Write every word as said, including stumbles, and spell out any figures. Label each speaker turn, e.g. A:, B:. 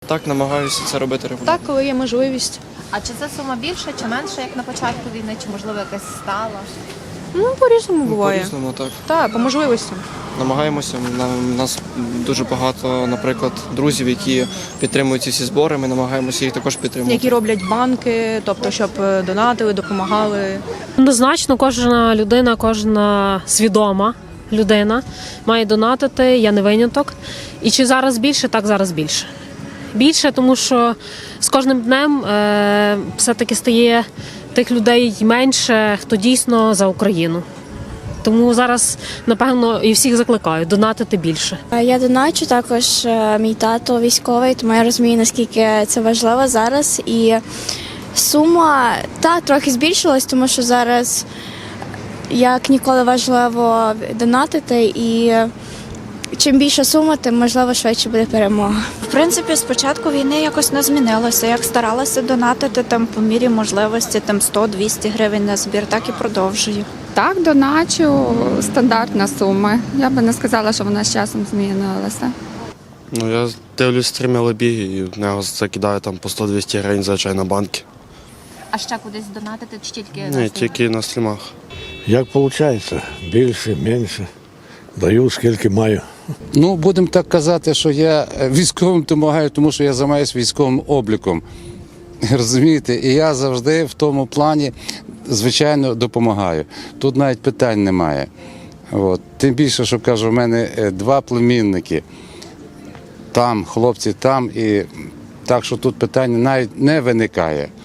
A: Так, намагаюся це робити регулярно.
B: Так, коли є можливість.
C: А чи це сума більша чи менша, як на початку війни, чи можливо якась стала?
B: Ну, по-різному буває.
A: По-різному, так.
B: Так, по можливостям.
A: Намагаємося. У нас дуже багато, наприклад, друзів, які підтримують ці всі збори. Ми намагаємося їх також підтримувати.
B: Які роблять банки, тобто, щоб е, донатили, допомагали.
D: Однозначно, кожна людина, кожна свідома людина має донатити, я не виняток. І чи зараз більше, так зараз більше. Більше, тому що з кожним днем е, все-таки стає тих людей менше, хто дійсно за Україну. Тому зараз, напевно, і всіх закликаю донатити більше.
E: Я доначу також, е, мій тато військовий, тому я розумію, наскільки це важливо зараз. І сума та трохи збільшилась, тому що зараз як ніколи важливо донатити, і чим більша сума, тим можливо швидше буде перемога.
F: В принципі, з початку війни якось не змінилося. Як старалася донатити там по мірі можливості, там сто-двісті гривень на збір, так і продовжую.
G: Так, доначу, стандартна сума. Я би не сказала, що вона з часом змінилася.
H: Ну, я дивлюсь стріми Лебіги і в нього закидаю там по сто-двісті гривень зазвичай на банки.
C: А ще кудись донатити чи тільки на
H: Ні,
C: стріми?
H: тільки на стрімах.
I: Як виходить? Більше, менше. Даю, скільки маю.
J: Ну, будемо так казати, що я військовим допомагаю, тому що я займаюся військовим обліком. Розумієте? І я завжди в тому плані, звичайно, допомагаю. Тут навіть питань немає. От. Тим більше, що кажу, в мене два племінники. Там, хлопці там, і так що тут питання навіть не виникає.